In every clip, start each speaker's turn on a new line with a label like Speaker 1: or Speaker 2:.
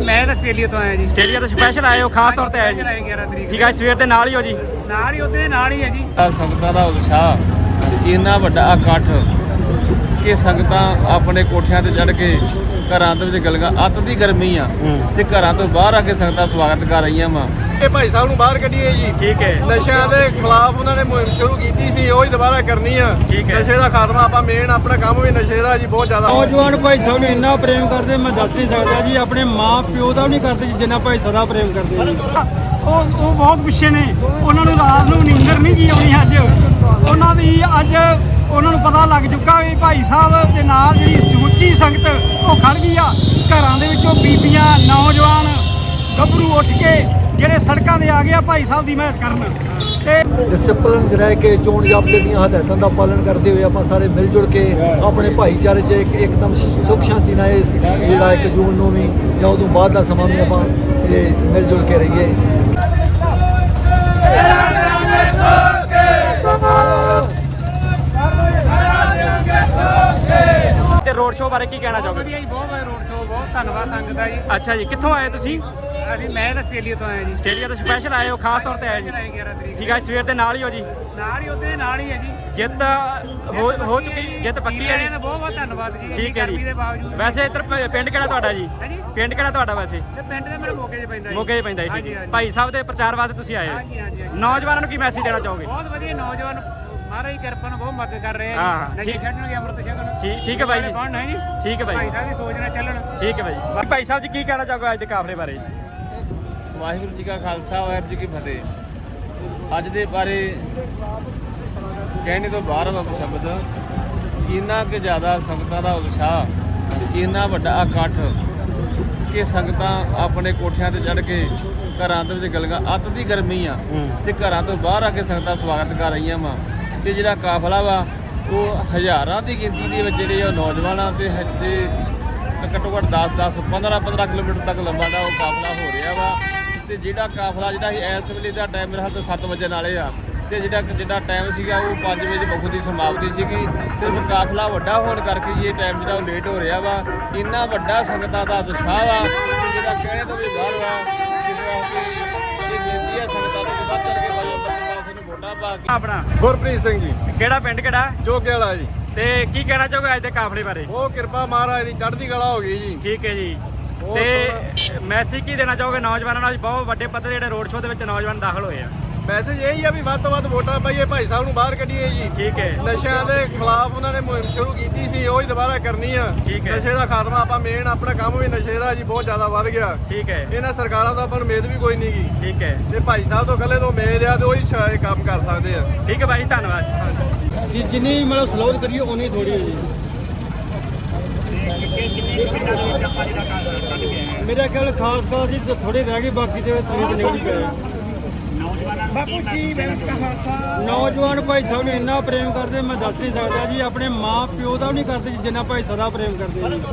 Speaker 1: ਮੈਂ ਤਾਂ ਆਸਟ੍ਰੇਲੀਆ ਤੋਂ ਆਇਆ ਜੀ।
Speaker 2: ਆਸਟ੍ਰੇਲੀਆ ਤੋਂ ਸਪੈਸ਼ਲ ਆਏ ਹੋ, ਖਾਸ ਤੌਰ ਤੇ ਆਏ ਜੀ?
Speaker 1: 11 ਤਰੀਕ
Speaker 2: ਠੀਕ ਹੈ, ਸਵੇਰ ਦੇ ਨਾਲ ਹੀ ਹੋ ਜੀ?
Speaker 1: ਨਾਲ ਹੀ ਉਹਦੇ ਨਾਲ ਹੀ ਹੈ ਜੀ।
Speaker 3: ਸੰਗਤਾਂ ਦਾ ਉਤਸ਼ਾਹ ਇੰਨਾ ਵੱਡਾ ਇਕੱਠ ਕਿ ਸੰਗਤਾਂ ਆਪਣੇ ਕੋਠਿਆਂ ਤੇ ਚੜ੍ਹ ਕੇ ਘਰਾਂ ਦੇ ਵਿੱਚ ਗਲਗਾ ਅੱਤ ਦੀ ਗਰਮੀ ਆ ਤੇ ਘਰਾਂ ਤੋਂ ਬਾਹਰ ਆ ਕੇ ਸੰਗਤਾਂ ਸਵਾਗਤ ਕਰ ਰਹੀਆਂ ਵਾ।
Speaker 4: ਇਹ ਭਾਈ ਸਾਹਿਬ ਨੂੰ ਬਾਹਰ ਕੱਢੀਏ ਜੀ।
Speaker 2: ਠੀਕ ਹੈ।
Speaker 4: ਨਸ਼ਿਆਂ ਦੇ ਖਿਲਾਫ ਉਹਨਾਂ ਨੇ ਮੁਹਿੰਮ ਸ਼ੁਰੂ ਕੀਤੀ ਸੀ, ਉਹ ਹੀ ਦੁਬਾਰਾ ਕਰਨੀ ਆ।
Speaker 2: ਠੀਕ ਹੈ।
Speaker 4: ਨਸ਼ੇ ਦਾ ਖਾਤਮਾ, ਆਪਾਂ ਮੇਨ ਆਪਣਾ ਕੰਮ ਵੀ ਨਸ਼ੇ ਦਾ ਜੀ ਬਹੁਤ ਜ਼ਿਆਦਾ।
Speaker 5: ਨੌਜਵਾਨ ਭਾਈ ਸਾਹਿਬ ਨੂੰ ਇੰਨਾ ਪ੍ਰੇਮ ਕਰਦੇ ਮੈਂ ਦੱਸ ਨਹੀਂ ਸਕਦਾ ਜੀ। ਆਪਣੇ ਮਾਂ ਪਿਓ ਦਾ ਵੀ ਨਹੀਂ ਕਰਦੇ ਜਿੰਨਾ ਭਾਈ ਸਦਾ ਪ੍ਰੇਮ ਕਰਦੇ ਜੀ। ਉਹ ਬਹੁਤ ਪਿੱਛੇ ਨੇ, ਉਹਨਾਂ ਨੂੰ ਰਾਤ ਨੂੰ ਨੀਂਦਰ ਨਹੀਂ ਜੀ ਆਉਣੀ। ਅੱਜ ਉਹਨਾਂ ਦੀ ਉਹਨਾਂ ਨੂੰ ਪਤਾ ਲੱਗ ਚੁੱਕਾ ਵੀ ਭਾਈ ਸਾਹਿਬ ਦੇ ਨਾਲ ਜਿਹੜੀ ਸਮੁੱਚੀ ਸੰਗਤ ਉਹ ਖੜ ਗਈ ਆ। ਘਰਾਂ ਦੇ ਵਿੱਚੋਂ ਬੀਬੀਆਂ, ਨੌਜਵਾਨ, ਗੱਭਰੂ ਉੱਠ ਕੇ ਜਿਹੜੇ ਸੜਕਾਂ ਤੇ ਆ ਗਏ ਆ ਭਾਈ ਸਾਹਿਬ ਦੀ ਮਦਦ ਕਰਨ। ਤੇ
Speaker 6: ਡਿਸਪਲਿਨ 'ਚ ਰਹਿ ਕੇ ਚੋਣ ਜ਼ਾਬਤੇ ਦੀਆਂ ਹਦਾਇਤਾਂ ਦਾ ਪਾਲਣ ਕਰਦੇ ਹੋਏ ਆਪਾਂ ਸਾਰੇ ਮਿਲ ਜੁਲ ਕੇ ਆਪਣੇ ਭਾਈਚਾਰੇ 'ਚ ਇੱਕਦਮ ਸੁੱਖ ਸ਼ਾਂਤੀ ਨਾਲ ਇਹ ਜਿਹੜਾ 1 ਜੂਨ ਨੂੰ ਵੀ ਜਾਂ ਉਦੋਂ ਬਾਅਦ ਦਾ ਸਮਾਂ ਵੀ ਆਪਾਂ ਇਹ ਮਿਲ ਜੁਲ ਕੇ ਰਹੀਏ।
Speaker 2: ਤੇ ਰੋਡ ਸ਼ੋਅ ਬਾਰੇ ਕੀ ਕਹਿਣਾ ਚਾਹੋਗੇ?
Speaker 1: ਵਧੀਆ ਜੀ, ਬਹੁਤ ਵਧੀਆ ਰੋਡ ਸ਼ੋਅ, ਬਹੁਤ ਧੰਨਵਾਦ ਸੰਗਤ ਦਾ ਜੀ।
Speaker 2: ਅੱਛਾ ਜੀ, ਕਿੱਥੋਂ ਆਏ ਤੁਸੀਂ?
Speaker 1: ਮੈਂ ਤਾਂ ਆਸਟ੍ਰੇਲੀਆ ਤੋਂ ਆਇਆ ਜੀ।
Speaker 2: ਆਸਟ੍ਰੇਲੀਆ ਤੋਂ ਸਪੈਸ਼ਲ ਆਏ ਹੋ, ਖਾਸ ਤੌਰ ਤੇ ਆਏ ਜੀ?
Speaker 1: 11 ਤਰੀਕ
Speaker 2: ਠੀਕ ਹੈ, ਸਵੇਰ ਦੇ ਨਾਲ ਹੀ ਹੋ ਜੀ?
Speaker 1: ਨਾਲ ਹੀ ਉਹਦੇ ਨਾਲ ਹੀ ਹੈ ਜੀ।
Speaker 2: ਜਿੱਤ ਹੋ ਚੁੱਕੀ, ਜਿੱਤ ਪੱਕੀ ਹੈ ਜੀ?
Speaker 1: ਬਹੁਤ ਬਹੁਤ ਧੰਨਵਾਦ ਜੀ।
Speaker 2: ਠੀਕ ਹੈ ਜੀ।
Speaker 1: ਗਰਮੀ ਦੇ ਬਾਵਜੂਦ
Speaker 2: ਵੈਸੇ ਇੱਧਰ ਪਿੰਡ ਕਿਹੜਾ ਤੁਹਾਡਾ ਜੀ?
Speaker 1: ਹਾਂਜੀ,
Speaker 2: ਪਿੰਡ ਕਿਹੜਾ ਤੁਹਾਡਾ ਵੈਸੇ?
Speaker 1: ਤੇ ਪਿੰਡ ਦੇ ਮੇਰੇ ਮੋਗੇ 'ਚ ਪੈਂਦਾ ਜੀ।
Speaker 2: ਮੋਗੇ 'ਚ ਪੈਂਦਾ ਜੀ। ਠੀਕ ਹੈ। ਭਾਈ ਸਾਹਿਬ ਦੇ ਪ੍ਰਚਾਰ ਵਾਸਤੇ ਤੁਸੀਂ ਆਏ ਹੋ?
Speaker 1: ਹਾਂਜੀ ਹਾਂਜੀ ਹਾਂਜੀ।
Speaker 2: ਨੌਜਵਾਨਾਂ ਨੂੰ ਕੀ ਮੈਸੇਜ ਦੇਣਾ ਚਾਹੋਗੇ?
Speaker 1: ਬਹੁਤ ਵਧੀਆ, ਨੌਜਵਾਨ ਮਹਾਰਾਜ ਦੀ ਕਿਰਪਾ ਨਾਲ ਬਹੁਤ ਮਦਦ ਕਰ ਰਹੇ ਆ
Speaker 2: ਹਾਂ,
Speaker 1: ਜੀ। ਨਸ਼ੇ
Speaker 2: ਠੀਕ।
Speaker 1: ਛੱਡਣਗੇ, ਅੰਮ੍ਰਿਤ ਛਕਣ।
Speaker 2: ਠੀਕ ਹੈ ਬਾਈ ਜੀ।
Speaker 1: ਕੌਣ ਨਹੀਂ ਜੀ?
Speaker 2: ਠੀਕ ਹੈ ਬਾਈ
Speaker 1: ਭਾਈ
Speaker 2: ਜੀ।
Speaker 1: ਸਾਹਿਬ ਦੀ ਸੋਚ ਨਾਲ ਚੱਲਣ।
Speaker 2: ਠੀਕ ਹੈ ਬਾਈ ਜੀ। ਭਾਈ ਸਾਹਿਬ ਜੀ ਕੀ ਕਹਿਣਾ ਚਾਹੋਗੇ ਅੱਜ ਦੇ ਕਾਫਲੇ ਬਾਰੇ?
Speaker 3: ਵਾਹਿਗੁਰੂ ਜੀ ਕਾ ਖਾਲਸਾ, ਵਾਹਿਗੁਰੂ ਜੀ ਕੀ ਫਤਿਹ। ਅੱਜ ਦੇ ਬਾਰੇ ਕਹਿਣੇ ਤੋਂ ਬਾਹਰ ਵਾ ਸ਼ਬਦ। ਇੰਨਾ ਕਿ ਜ਼ਿਆਦਾ ਸੰਗਤਾਂ ਦਾ ਉਤਸ਼ਾਹ, ਇੰਨਾ ਵੱਡਾ ਇਕੱਠ ਕਿ ਸੰਗਤਾਂ ਆਪਣੇ ਕੋਠਿਆਂ ਤੇ ਚੜ੍ਹ ਕੇ ਘਰਾਂ ਦੇ ਵਿੱਚ ਗਲਗਾ ਅੱਤ ਦੀ ਗਰਮੀ ਆ ਤੇ ਘਰਾਂ ਤੋਂ ਬਾਹਰ ਆ ਕੇ ਸੰਗਤਾਂ ਸਵਾਗਤ ਕਰ ਰਹੀਆਂ ਵਾ। ਤੇ ਜਿਹੜਾ ਕਾਫਲਾ ਵਾ ਉਹ ਹਜ਼ਾਰਾਂ ਦੀ ਗਿਣਤੀ ਦੇ ਵਿੱਚ ਜਿਹੜੇ ਆ ਨੌਜਵਾਨਾਂ ਤੇ ਘੱਟੋ ਘੱਟ 10 15 ਕਿਲੋਮੀਟਰ ਤੱਕ ਲੰਬਾ ਦਾ ਉਹ ਕਾਫਲਾ ਹੋ ਰਿਹਾ ਵਾ। ਤੇ ਜਿਹੜਾ ਕਾਫਲਾ ਜਿਹੜਾ ਇਸ ਵੇਲੇ ਦਾ ਟਾਈਮ ਮੇਰੇ ਹੱਥ 7 ਵਜੇ ਨਾਲੇ ਆ ਤੇ ਜਿਹੜਾ ਟਾਈਮ ਸੀਗਾ ਉਹ 5 ਵਜੇ ਮੁੱਖ ਦੀ ਸਮਾਪਤੀ ਸੀਗੀ। ਤੇ ਕਾਫਲਾ ਵੱਡਾ ਹੋਣ ਕਰਕੇ ਇਹ ਟਾਈਮ ਜਿਹੜਾ ਉਹ ਲੇਟ ਹੋ ਰਿਹਾ ਵਾ। ਇੰਨਾ ਵੱਡਾ ਸੰਗਤਾਂ ਦਾ ਉਤਸ਼ਾਹ ਵਾ ਜਿਹੜਾ ਕਹਿਣੇ ਤੋਂ ਵੀ ਬਾਹਰ ਵਾ। ਇਹ ਬੇਨਤੀ ਹੈ ਸੰਗਤਾਂ ਦੇ ਵੱਧ ਚੜ ਕੇ ਪਾਸੇ ਨੂੰ ਵੋਟਾਂ ਪਾ ਕੇ।
Speaker 2: ਆਪਣਾ
Speaker 4: ਗੁਰਪ੍ਰੀਤ ਸਿੰਘ ਜੀ,
Speaker 2: ਕਿਹੜਾ ਪਿੰਡ ਕਿਹੜਾ?
Speaker 4: ਚੋਕੇ ਵਾਲਾ ਜੀ।
Speaker 2: ਤੇ ਕੀ ਕਹਿਣਾ ਚਾਹੋਗੇ ਅੱਜ ਦੇ ਕਾਫਲੇ ਬਾਰੇ?
Speaker 4: ਉਹ ਕਿਰਪਾ ਮਹਾਰਾਜ ਦੀ ਚੜ੍ਹਦੀ ਕਲਾ ਹੋ ਗਈ ਜੀ।
Speaker 2: ਠੀਕ ਹੈ ਜੀ।
Speaker 4: ਬਹੁਤ
Speaker 2: ਤੇ ਮੈਸੇਜ ਕੀ ਦੇਣਾ ਚਾਹੋਗੇ ਨੌਜਵਾਨਾਂ ਨੂੰ? ਬਹੁਤ ਵੱਡੇ ਪੱਧਰ ਜਿਹੜੇ ਰੋਡ ਸ਼ੋਅ ਦੇ ਵਿੱਚ ਨੌਜਵਾਨ ਦਾਖਲ ਹੋਏ ਆ।
Speaker 4: ਮੈਸੇਜ ਇਹੀ ਆ ਵੀ ਵੱਧ ਤੋਂ ਵੱਧ ਵੋਟਾਂ ਪਾਈਏ, ਭਾਈ ਸਾਹਿਬ ਨੂੰ ਬਾਹਰ ਕੱਢੀਏ ਜੀ।
Speaker 2: ਠੀਕ ਹੈ।
Speaker 4: ਨਸ਼ਿਆਂ ਦੇ ਖਿਲਾਫ ਉਹਨਾਂ ਨੇ ਮੁਹਿੰਮ ਸ਼ੁਰੂ ਕੀਤੀ ਸੀ, ਉਹ ਹੀ ਦੁਬਾਰਾ ਕਰਨੀ ਆ।
Speaker 2: ਠੀਕ ਹੈ।
Speaker 4: ਨਸ਼ੇ ਦਾ ਖਾਤਮਾ, ਆਪਾਂ ਮੇਨ ਆਪਣਾ ਕੰਮ ਵੀ ਨਸ਼ੇ ਦਾ ਜੀ ਬਹੁਤ ਜ਼ਿਆਦਾ ਵੱਧ ਗਿਆ।
Speaker 2: ਠੀਕ ਹੈ।
Speaker 4: ਇਹਨਾਂ ਸਰਕਾਰਾਂ ਦਾ ਆਪਾਂ ਨੂੰ ਉਮੀਦ ਵੀ ਕੋਈ ਨਹੀਂ ਗੀ।
Speaker 2: ਠੀਕ ਹੈ।
Speaker 4: ਤੇ ਭਾਈ ਸਾਹਿਬ ਤੋਂ ਇਕੱਲੇ ਤੋਂ ਉਮੀਦ ਆ ਤੇ ਉਹੀ ਸ਼ਾਇਦ ਕੰਮ ਕਰ ਸਕਦੇ ਆ।
Speaker 2: ਠੀਕ ਹੈ ਭਾਈ, ਧੰਨਵਾਦ।
Speaker 5: ਜੀ ਜਿੰਨੀ ਮਤਲਬ ਸਲੋਧ ਕਰੀਏ ਉਨੀ ਥੋੜੀ ਹੈ ਜੀ। ਮੇਰਾ ਖਿਆਲ ਖਾਸ ਹੀ ਥੋੜੇ ਰਹਿ ਗਏ, ਬਾਕੀ ਤੇ ਤੁਸੀਂ ਨਿਕਲ ਹੀ ਗਏ। ਨੌਜਵਾਨ ਭਾਈ ਸਾਹਿਬ ਨੂੰ ਇੰਨਾ ਪ੍ਰੇਮ ਕਰਦੇ ਮੈਂ ਦੱਸ ਨਹੀਂ ਸਕਦਾ ਜੀ। ਆਪਣੇ ਮਾਂ ਪਿਓ ਦਾ ਵੀ ਨਹੀਂ ਕਰਦੇ ਜਿੰਨਾ ਭਾਈ ਸਦਾ ਪ੍ਰੇਮ ਕਰਦੇ ਜੀ।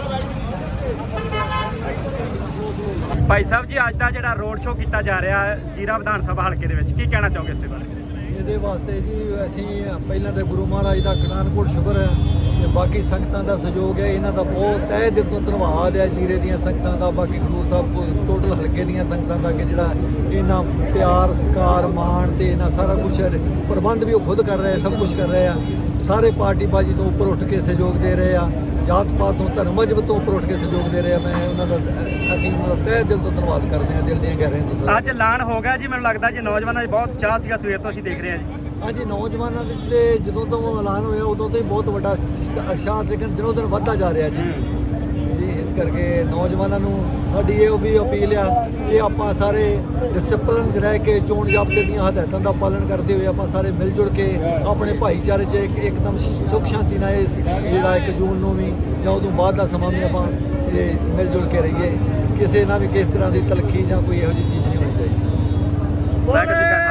Speaker 2: ਭਾਈ ਸਾਹਿਬ ਜੀ, ਅੱਜ ਦਾ ਜਿਹੜਾ ਰੋਡ ਸ਼ੋਅ ਕੀਤਾ ਜਾ ਰਿਹਾ ਹੈ ਜੀਰਾ ਵਿਧਾਨ ਸਭਾ ਹਲਕੇ ਦੇ ਵਿੱਚ, ਕੀ ਕਹਿਣਾ ਚਾਹੋਗੇ ਇਸ ਦੇ ਬਾਰੇ?
Speaker 6: ਇਹਦੇ ਵਾਸਤੇ ਜੀ ਅਸੀਂ ਪਹਿਲਾਂ ਤਾਂ ਗੁਰੂ ਮਹਾਰਾਜ ਦਾ ਕਟਾਨਕੋਟ ਸ਼ੁਕਰ ਹੈ ਤੇ ਬਾਕੀ ਸੰਗਤਾਂ ਦਾ ਸਹਿਯੋਗ ਹੈ। ਇਹਨਾਂ ਦਾ ਬਹੁਤ ਤਹਿ ਦਿਲ ਤੋਂ ਧੰਨਵਾਦ ਹੈ ਜੀਰੇ ਦੀਆਂ ਸੰਗਤਾਂ ਦਾ, ਬਾਕੀ ਖਡੂਰ ਸਾਹਿਬ ਟੋਟਲ ਹਲਕੇ ਦੀਆਂ ਸੰਗਤਾਂ ਦਾ ਕਿ ਜਿਹੜਾ ਇਹਨਾਂ ਪਿਆਰ, ਸਤਿਕਾਰ, ਮਾਣ ਤੇ ਇਹਨਾਂ ਸਾਰਾ ਕੁਝ ਪ੍ਰਬੰਧ ਵੀ ਉਹ ਖੁਦ ਕਰ ਰਹੇ, ਸਭ ਕੁਝ ਕਰ ਰਹੇ ਆ। ਸਾਰੇ ਪਾਰਟੀ ਬਾਜੀ ਤੋਂ ਉੱਪਰ ਉੱਠ ਕੇ ਸਹਿਯੋਗ ਦੇ ਰਹੇ ਆ, ਜਾਤ ਪਾਤ ਤੋਂ, ਧਰਮ ਮਜ਼ਹਬ ਤੋਂ ਉੱਪਰ ਉੱਠ ਕੇ ਸਹਿਯੋਗ ਦੇ ਰਹੇ ਆ। ਮੈਂ ਉਹਨਾਂ ਦਾ ਅਸੀਂ ਉਹਨਾਂ ਦਾ ਤਹਿ ਦਿਲ ਤੋਂ ਧੰਨਵਾਦ ਕਰਦੇ ਹਾਂ, ਦਿਲ ਦੀਆਂ ਗਹਿਰਾਈਆਂ ਤੋਂ।
Speaker 2: ਅੱਜ ਐਲਾਨ ਹੋ ਗਿਆ ਜੀ, ਮੈਨੂੰ ਲੱਗਦਾ ਜੀ ਨੌਜਵਾਨਾਂ 'ਚ ਬਹੁਤ ਉਤਸ਼ਾਹ ਸੀਗਾ, ਸਵੇਰ ਤੋਂ ਅਸੀਂ ਦੇਖ ਰਹੇ ਹਾਂ ਜੀ।
Speaker 6: ਹਾਂਜੀ, ਨੌਜਵਾਨਾਂ ਦੇ ਤੇ ਜਦੋਂ ਤੋਂ ਐਲਾਨ ਹੋਇਆ ਉਦੋਂ ਤੋਂ ਹੀ ਬਹੁਤ ਵੱਡਾ ਉਤਸ਼ਾਹ ਲੇਕਿਨ ਦਿਨੋਂ ਦਿਨ ਵੱਧਦਾ ਜਾ ਰਿਹਾ ਜੀ। ਇਸ ਕਰਕੇ ਨੌਜਵਾਨਾਂ ਨੂੰ ਸਾਡੀ ਇਹ ਵੀ ਅਪੀਲ ਆ ਕਿ ਆਪਾਂ ਸਾਰੇ ਡਿਸਪਲਿਨ 'ਚ ਰਹਿ ਕੇ ਚੋਣ ਜ਼ਾਬਤੇ ਦੀਆਂ ਹਦਾਇਤਾਂ ਦਾ ਪਾਲਣ ਕਰਦੇ ਹੋਏ ਆਪਾਂ ਸਾਰੇ ਮਿਲ ਜੁਲ ਕੇ ਆਪਣੇ ਭਾਈਚਾਰੇ 'ਚ ਇੱਕਦਮ ਸੁੱਖ ਸ਼ਾਂਤੀ ਨਾਲ ਇਹ ਜਿਹੜਾ 1 ਜੂਨ ਨੂੰ ਵੀ ਜਾਂ ਉਦੋਂ ਬਾਅਦ ਦਾ ਸਮਾਂ ਵੀ ਆਪਾਂ ਇਹ ਮਿਲ ਜੁਲ ਕੇ ਰਹੀਏ। ਕਿਸੇ ਨਾਲ ਵੀ ਕਿਸ ਤਰ੍ਹਾਂ ਦੀ ਤਲਖੀ ਜਾਂ ਕੋਈ ਇਹੋ ਜਿਹੀ ਚੀਜ਼ ਨਹੀਂ ਹੋਣੀ ਚਾਹੀਦੀ।